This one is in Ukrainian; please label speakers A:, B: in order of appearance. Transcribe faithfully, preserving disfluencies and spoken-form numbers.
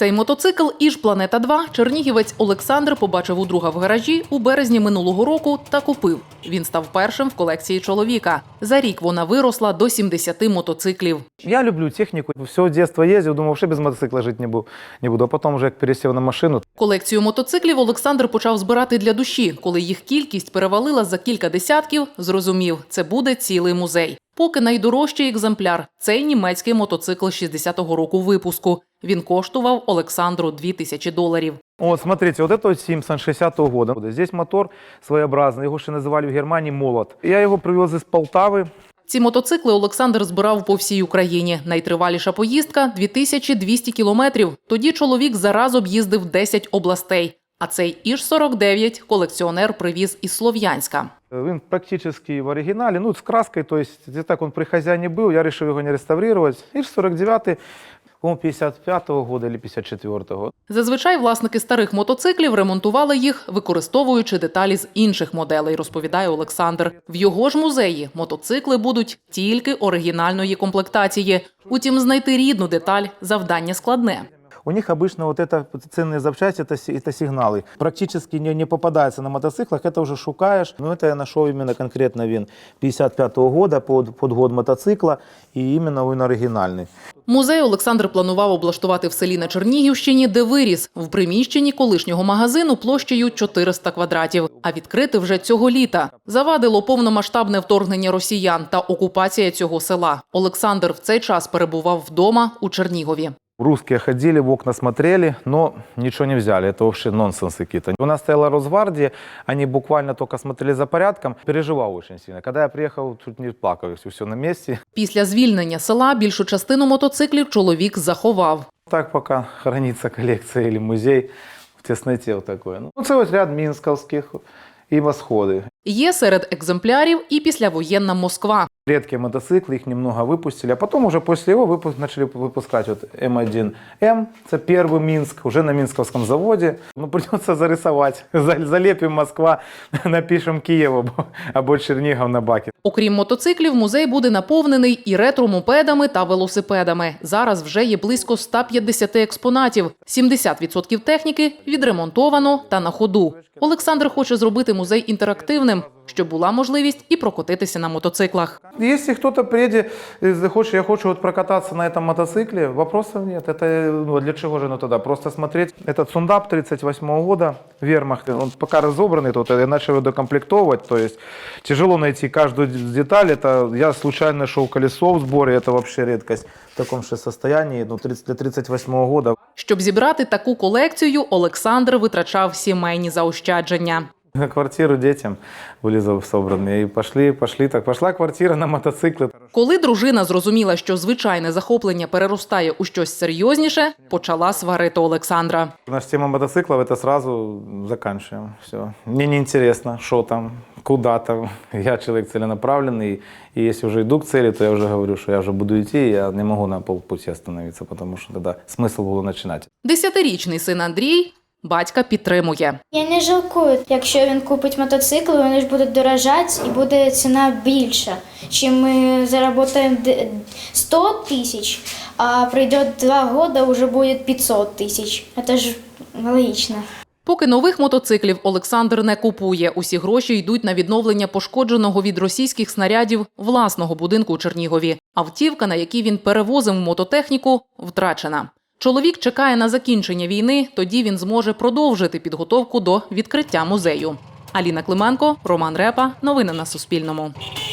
A: Цей мотоцикл «Іж Планета два» чернігівець Олександр побачив у друга в гаражі у березні минулого року та купив. Він став першим в колекції чоловіка. За рік вона виросла до сімдесяти мотоциклів.
B: Я люблю техніку. Все дитинство їздив, думав, що без мотоцикла жити не буду. Не буду. А потім вже як пересів на машину.
A: Колекцію мотоциклів Олександр почав збирати для душі. Коли їх кількість перевалила за кілька десятків, зрозумів – це буде цілий музей. Поки найдорожчий екземпляр – цей німецький мотоцикл шістдесятого року випуску. Він коштував Олександру дві тисячі доларів.
B: Вот, смотрите, вот это вот Симпсон шестидесятого года. Здесь мотор своеобразный, его ще називали в Германії «Молот». Я його привез із Полтави.
A: Ці мотоцикли Олександр збирав по всій Україні. Найтриваліша поїздка – дві тисячі двісті кілометрів. Тоді чоловік зараз об'їздив десять областей. А цей «Іж сорок дев'ять» колекціонер привіз із Слов'янська.
B: Він практично в оригіналі, ну, з краскою, то есть, так він при хазяїні був, я вирішив його не реставрувати. «Іж сорок дев'ять», по-моєму, п'ятдесят п'ятого года або п'ятдесят четвертого.
A: Зазвичай власники старих мотоциклів ремонтували їх, використовуючи деталі з інших моделей, розповідає Олександр. В його ж музеї мотоцикли будуть тільки оригінальної комплектації. Утім, знайти рідну деталь – завдання складне.
B: У них обычно вот это ценные запчасти, это, это сигналы. Практически не, не попадается на мотоциклах, это уже шукаешь. Но это я нашел именно конкретно вин п'ятдесят п'ятого года под, под год мотоцикла, и именно він оригінальний.
A: Музей Олександр планував облаштувати в селі на Чернігівщині, де виріс, в приміщенні колишнього магазину площею чотириста квадратів. А відкрити вже цього літа. Завадило повномасштабне вторгнення росіян та окупація цього села. Олександр в цей час перебував вдома у Чернігові.
B: Русские ходили, в окна смотрели, но ничего не взяли. Это вообще нонсенс какие-то. У нас стояла Росгвардия, они буквально только смотрели за порядком. Переживал очень сильно. Когда я приехал, тут не плакал, все на месте.
A: Після звільнення села більшу частину мотоциклів чоловік заховав.
B: Так пока хранится коллекция или музей в тесноте вот такой. Ну, це ось ряд мінськовських і восходи.
A: Є серед екземплярів і післявоєнна Москва.
B: Редкие мотоциклы, их немного выпустили, а потом уже после его выпуск, начали выпускать вот эм один эм, это первый Минск, уже на Минсковском заводе. Ну, придется зарисовать, залепим Москва, напишем Киев або Чернігов на баке.
A: Окрім мотоциклів, музей буде наповнений і ретро-мопедами та велосипедами. Зараз вже є близько ста п'ятдесяти експонатів. сімдесят відсотків техніки відремонтовано та на ходу. Олександр хоче зробити музей інтерактивним, щоб була можливість і прокотитися на мотоциклах.
B: Если кто-то приедет, захочет, я хочу вот прокататься на этом мотоцикле, вопросов нет. Это ну, для чего же ну тогда? Просто смотреть. Этот Сундап тридцать восьмого года, Вермахт, он пока разобранный, тут я начал его докомплектовывать, то есть тяжело найти каждую деталь. Это я случайно нашел колесо в сборе, это вообще редкость в таком же состоянии, ну, для тридцать восьмого года.
A: Щоб зібрати таку колекцію, Олександр витрачав сімейні заощадження.
B: На квартиру детям были собраны. И пошли, пошли, так пошла квартира на мотоциклы.
A: Коли дружина зрозуміла, що звичайне захоплення переростає у щось серйозніше, почала сварити Олександра.
B: Наша тема мотоциклов, это сразу заканчиваем. Все. Мне не интересно, что там, куда там. Я человек целенаправленный, и если уже иду к цели, то я уже говорю, что я уже буду идти, я не могу на полпути остановиться, потому что тогда смысл было начинать.
A: Десятирічний син Андрій батька підтримує.
C: Я не жалкую, якщо він купить мотоцикл, вони ж будуть дорожати і буде ціна більша. Чим ми заработаємо сто тисяч, а пройде два роки, вже буде п'ятсот тисяч. Це ж логічно.
A: Поки нових мотоциклів Олександр не купує. Усі гроші йдуть на відновлення пошкодженого від російських снарядів власного будинку у Чернігові. Автівка, на якій він перевозив мототехніку, втрачена. Чоловік чекає на закінчення війни, тоді він зможе продовжити підготовку до відкриття музею. Аліна Клименко, Роман Репа. Новини на Суспільному.